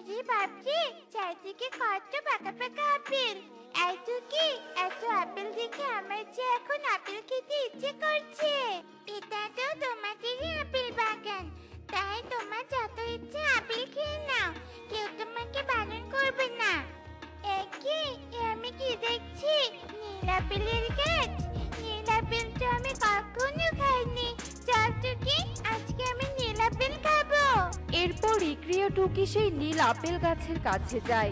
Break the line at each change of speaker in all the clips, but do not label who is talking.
বাপরে বাপরে, চারদিকে কত পাকা পাকা আপেল। এত কি, এত আপেল দেখে আমার যে এখন আপেল খেতে ইচ্ছে করছে। এটা তো তোমাদেরই আপেল বাগান, তাই তোমার যত ইচ্ছে আপেল খেয়ে নাও, কেউ তোমাকে বারণ করবে না। একি, আমি কি দেখছি? নীল আপেলের গাছ। নীল আপেল তো আমি কখনো খাইনি। চল টুকি, আজকে আমি নীল আপেল খাবো।
এরপর ইকরি ও টুকি সেই নীল আপেল গাছের কাছে যায়।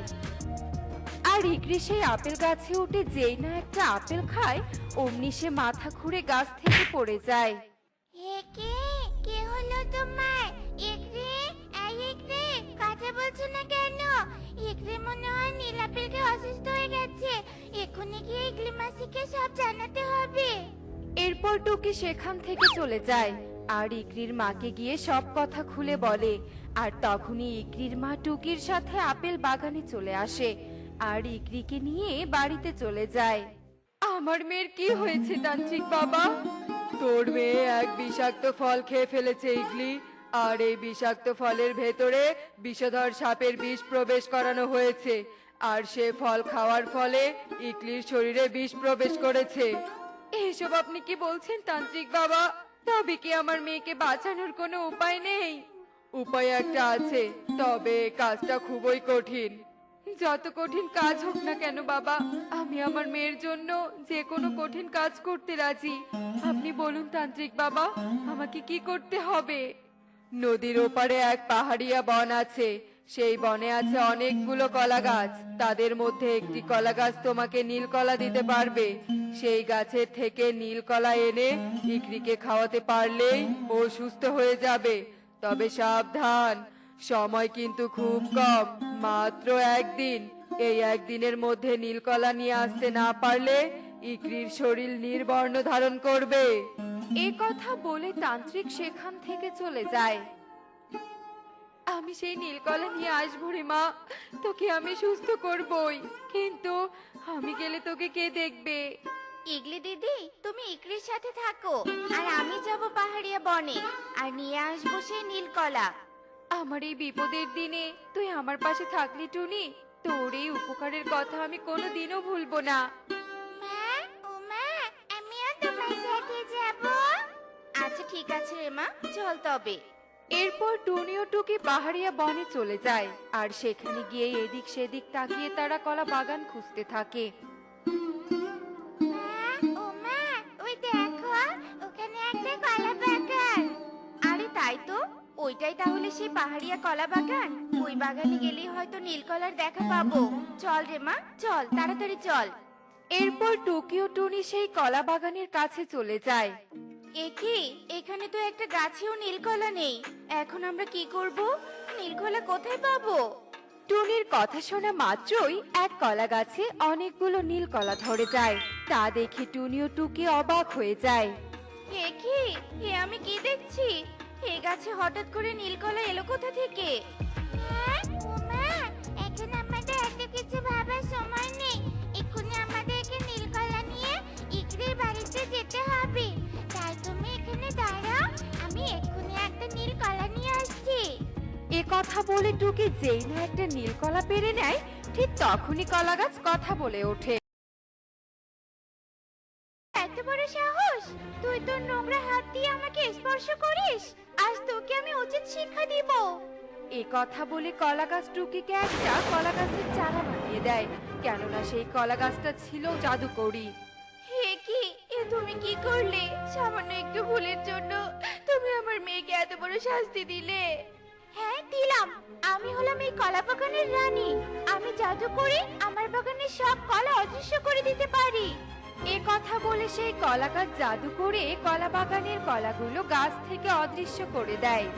আর ইকরি সেই আপেল গাছে উঠে যেই না একটা আপেল খায়, অমনি সে মাথা ঘুরে গাছ থেকে পড়ে যায়।
একে, কি হলো তোমার? ইকরি, এই ইকরি, কথা বলছো না কেন? ইকরি মনে হয় নীল আপেল খেয়ে অসুস্থ হয়ে গেছে। এক্ষুনি গিয়ে ইকরি মাসিকে সব জানাতে হবে।
এরপর টুকি সেখান থেকে চলে যায় আর ইকরির মাকে গিয়ে সব কথা খুলে বলে। আর তখনই ইকরির মা টুকির সাথে আপেল বাগানে চলে আসে আর ইকরিকে নিয়ে বাড়িতে চলে যায়। আমার মেয়ের কি হয়েছে তান্ত্রিক বাবা? তোর মেয়ে এক বিষাক্ত ফল খেয়ে ফেলেছে ইগলি, আর এই বিষাক্ত ফলের ভেতরে বিষধর সাপের বিষ প্রবেশ করানো হয়েছে, আর সে ফল খাওয়ার ফলে ইগলির শরীরে বিষ প্রবেশ করেছে। এসব আপনি কি বলছেন তান্ত্রিক বাবা? তবে কি আমার মেয়েকে বাঁচানোর কোনো উপায় নেই? উপায় একটা আছে, তবে কাজটা খুবই কঠিন। যত কঠিন কাজ হোক না কেন বাবা, আমি আমার মেয়ের জন্য যে কোনো কঠিন কাজ করতে রাজি। আপনি বলুন তান্ত্রিক বাবা, আমাকে কি করতে হবে? নদীর ওপারে এক পাহাড়িয়া বন আছে, সেই বনে আছে অনেকগুলো কলা গাছ। তাদের মধ্যে একটি কলা গাছ তোমাকে নীল কলা দিতে পারবে। সেই গাছের থেকে নীল কলা এনে ইকরিকে খাওয়াতে পারলেই ও সুস্থ হয়ে যাবে। তবে সাবধান, সময় কিন্তু খুব কম, মাত্র একদিন। এই একদিনের মধ্যে নীলকলা নিয়ে আসতে না পারলে ইকরির শরীর নীলবর্ণ ধারণ করবে। এ কথা বলে তান্ত্রিক সেখান থেকে চলে যায়। আমি সেই নীলকলা নিয়ে আসবো রে মা, তোকে আমি সুস্থ করবই, কিন্তু আমি গেলে তোকে কে দেখবে?
ইগলি দিদি, তুমি ইকরির সাথে থাকো, আর আমি যাব পাহাড়িয়া বনে, আর নিয়ে আসবো সেই নীলকলা।
আমার এই বিপদের দিনে তুই আমার পাশে থাকলি টুনি, তোর এই উপকারের কথা আমি কোনোদিনও ভুলবো না।
মা, ও মা, আমিও তোমার সাথে যাব। আচ্ছা ঠিক আছে রে মা, চল তবে।
এরপর টুনি ও টুকি পাহাড়িয়া বনে চলে যায় আর সেখানে গিয়ে এদিক সেদিক তাকিয়ে তারা কলা বাগান খুঁজতে থাকে।
মা, ও মা, ওই দেখো, ওখানে একটা কলা বাগান। আরে তাই তো, ওইটাই তাহলে সেই পাহাড়িয়া কলা বাগান। ওই বাগানে গেলেই হয়তো নীলকলার দেখা পাবো। চল রে মা, চল তাড়াতাড়ি চল।
এরপর টুকি ও টুনি সেই কলা বাগানের কাছে চলে যায়।
একি, এখানে তো একটা গাছেও নীলকলা নেই। এখন আমরা কি করব? নীলকলা কোথায় পাবো?
টুনির কথা শোনা মাত্রই এক কলা গাছে অনেকগুলো নীল কলা ধরে যায়। তা দেখে টুনি ও টুকি অবাক হয়ে যায়।
একি, এ আমি কি দেখছি? এই গাছে হঠাৎ করে নীলকলা এলো কোথা থেকে? এখন আমাদের এত কিছু ভাবার সময় নেই। এক্ষুনি আমাদেরকে নীলকলা নিয়ে ইকরির বাড়িতে যেতে হবে। তাই তুমি এখানে দাঁড়াও, আমি এক্ষুনি একটা নীলকলা নিয়ে আসছি।
এ কথা বলে টুকি যেই না একটা নীল কলা পেরে নেয়, ঠিক তখনই কলা গাছ কথা বলে ওঠে।
এত বড় সাহস! তুই তোর নোংরা হাত দিয়ে আমাকে স্পর্শ করিস? আজ তোকে আমি উচিত শিক্ষা দিব।
এ কথা বলে কলা গাছ টুকিকে একটা কলা গাছের চারা বানিয়ে দেয়, কেননা সেই কলা গাছটা ছিল জাদুকরি।
হে কি, এ তুমি কি করলে? সামান্য একটু ভুলের জন্য তুমি আমার মেয়েকে এত বড় শাস্তি দিলে। হ্যাঁ দিলাম, আমি হলাম এই কলা বাগানের রানী। আমি জাদু করে আমার বাগানের সব কলা অদৃশ্য করে দিতে পারি।
এ কথা বলে সেই কলা গাছ জাদু করে কলা বাগানের কলাগুলো গাছ থেকে অদৃশ্য করে দেয়।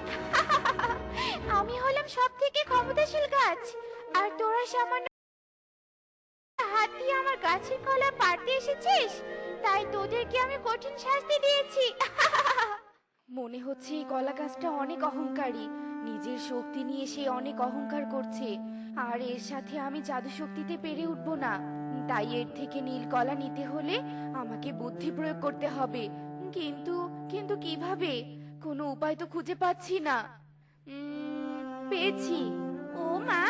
আমি হলাম সব থেকে ক্ষমতাশীল গাছ, আর তোরা সামান্য হাত দিয়ে আমার গাছের কলা পাড়তে এসেছিস, তাই তোদেরকে আমি কঠিন শাস্তি দিয়েছি।
মনে হচ্ছে এই কলা গাছটা অনেক অহংকারী, নিজের শক্তি নিয়ে সে অনেক অহংকার করছে, আর এর সাথে আমি জাদু শক্তিতে পেরে উঠবো না। তাই এর থেকে নীল কলা নিতে হলে আমাকে বুদ্ধি প্রয়োগ করতে হবে। কিন্তু কিন্তু কিভাবে? কোনো উপায় তো খুঁজে পাচ্ছি না। পেয়েছি।
ও মা,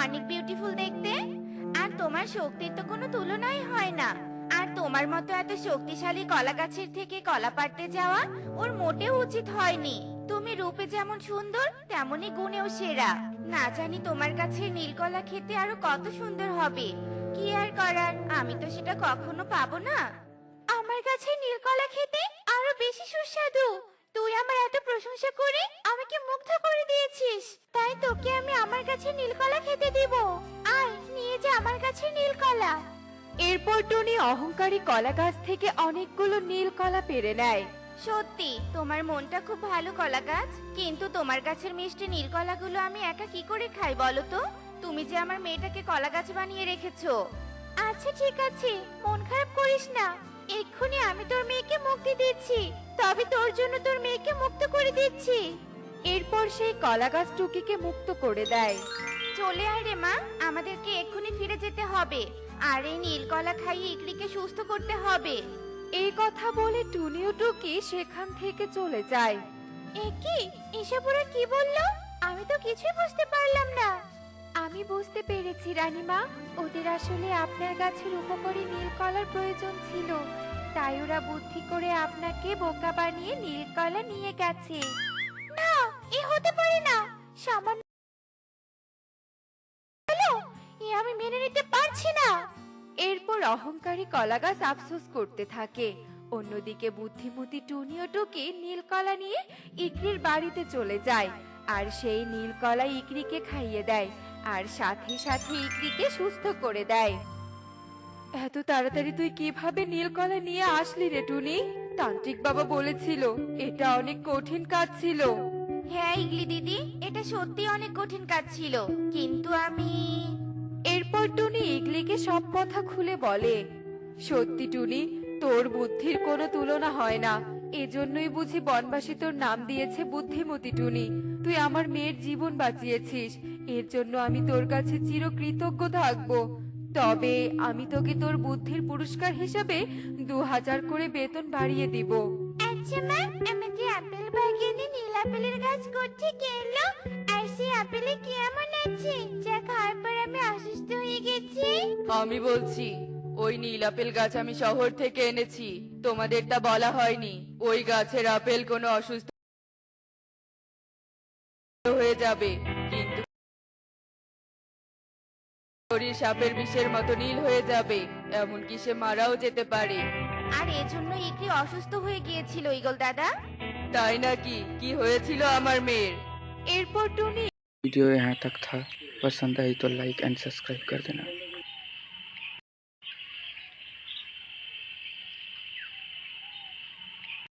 অনেক বিউটিফুল দেখতে। আর তোমার শক্তির তো কোনো তুলনাই হয় না। আর তোমার মতো এত শক্তিশালী কলা গাছের থেকে কলা পাড়তে যাওয়া ওর মোটেও উচিত হয়নি। তুমি রূপে যেমন সুন্দর তেমনি গুণেও সেরা। না জানি তোমার কাছে নীলকলা খেতে আরো কত সুন্দর হবে। কি আর করার, আমি তো সেটা কখনো পাবো না। আমার কাছে নীলকলা খেতে আরো বেশি সুস্বাদু। তুই আমার এত প্রশংসা করে আমাকে মুগ্ধ করে দিয়েছিস, তাই তোকে আমি আমার কাছে নীলকলা খেতে দিব। আয় নিয়ে যা আমার কাছে নীলকলা।
এরপর টুনি অহংকারী কলা গাছ থেকে অনেকগুলো নীল কলা পেড়ে নেয়।
সত্যি তোমার মনটা খুব ভালো কলা গাছ, কিন্তু তোমার গাছের মিষ্টি নীলকলাগুলো আমি একা কি করে খাই বলো তো? তুমি যে আমার মেয়েটাকে কলা গাছ বানিয়ে রেখেছো। আচ্ছা ঠিক আছে, মন খারাপ করিস না। এক্ষুনি আমি তোর মেয়েকে মুক্তি দিচ্ছি, তবে তোর জন্য তোর মেয়েকে মুক্ত করে দিচ্ছি।
এরপর সেই কলা গাছ টুকিকে মুক্ত করে দেয়।
চলে আয় রে মা, আমাদেরকে এক্ষুনি ফিরে যেতে হবে। আর এই নীলকলা খাইয়ে ইকরিকে সুস্থ করতে হবে।
এই কথা বলে টুনি ও টুকি সেখান থেকে চলে যায়।
এ কি, এসব ওরা কি বললো? আমি তো কিছুই বুঝতে পারলাম না।
আমি বুঝতে পেরেছি রানীমা, ওদের আসলে আপনার গাছের উপকারী নীলকলার প্রয়োজন ছিল, তাই ওরা বুদ্ধি করে আপনাকে বোকা বানিয়ে নীলকলা নিয়ে গেছে।
না, এ হতে পারে না। সামান্য হলো, এ আমি মেনে নিতে পারছি না।
এরপর অহংকারী কলাগাছ আফসোস করতে থাকে। অন্যদিকে বুদ্ধিমতী টুনি ও টুকি নীলকলা নিয়ে ইকরির বাড়িতে চলে যায়, আর সেই নীলকলা ইকরিকে খাইয়ে দেয়, আর সাথে সাথে ইকরিকে সুস্থ করে দেয়। এত তাড়াতাড়ি তুই কিভাবে নীলকলা নিয়ে আসলি রে টুনি? তান্ত্রিক বাবা বলেছিল এটা অনেক কঠিন কাজ ছিল।
হ্যাঁ ইগলি দিদি, এটা সত্যি অনেক কঠিন কাজ ছিল, কিন্তু আমি...
এরপর টুনি ইগলিকে সব কথা খুলে বলে। সত্যি টুনি, তোর বুদ্ধির কোনো তুলনা হয় না, এজন্যই বুঝি বনবাসী তোর নাম দিয়েছে বুদ্ধিমতী টুনি। তুই আমার মেয়ের জীবন বাঁচিয়েছিস, এর জন্য আমি তোর কাছে চিরকৃতজ্ঞ থাকবো। তবে আমি তোকে তোর বুদ্ধির পুরস্কার হিসাবে 2000 করে বেতন বাড়িয়ে দিব।
আচ্ছা মা, আমাদের আপেল বাগানে নীল আপেলের গাছ কোত্থেকে এলো? আর সেই আপেলে কি এমন আছে যা খাওয়ার পর আমি অসুস্থ হয়ে গেছি?
আমি বলছি, ওই নীল আপেল গাছ আমি শহর থেকে এনেছি, তোমাদেরটা বলা হয়নি। ওই গাছের আপেল কোনো অসুস্থ হয়ে যাবে, কিন্তু শরীর সাপের বিষের মতো নীল হয়ে যাবে, এমনকি সে মারাও যেতে পারে।
আর এজন্য ইকরি অসুস্থ হয়ে গিয়েছিল ঈগল দাদা।
তাই নাকি? কি হয়েছিল আমার মেয়ের?
এরপর টুনি
वीडियो यहाँ तक था। पसंद आई तो लाइक एंड सब्सक्राइब कर देना।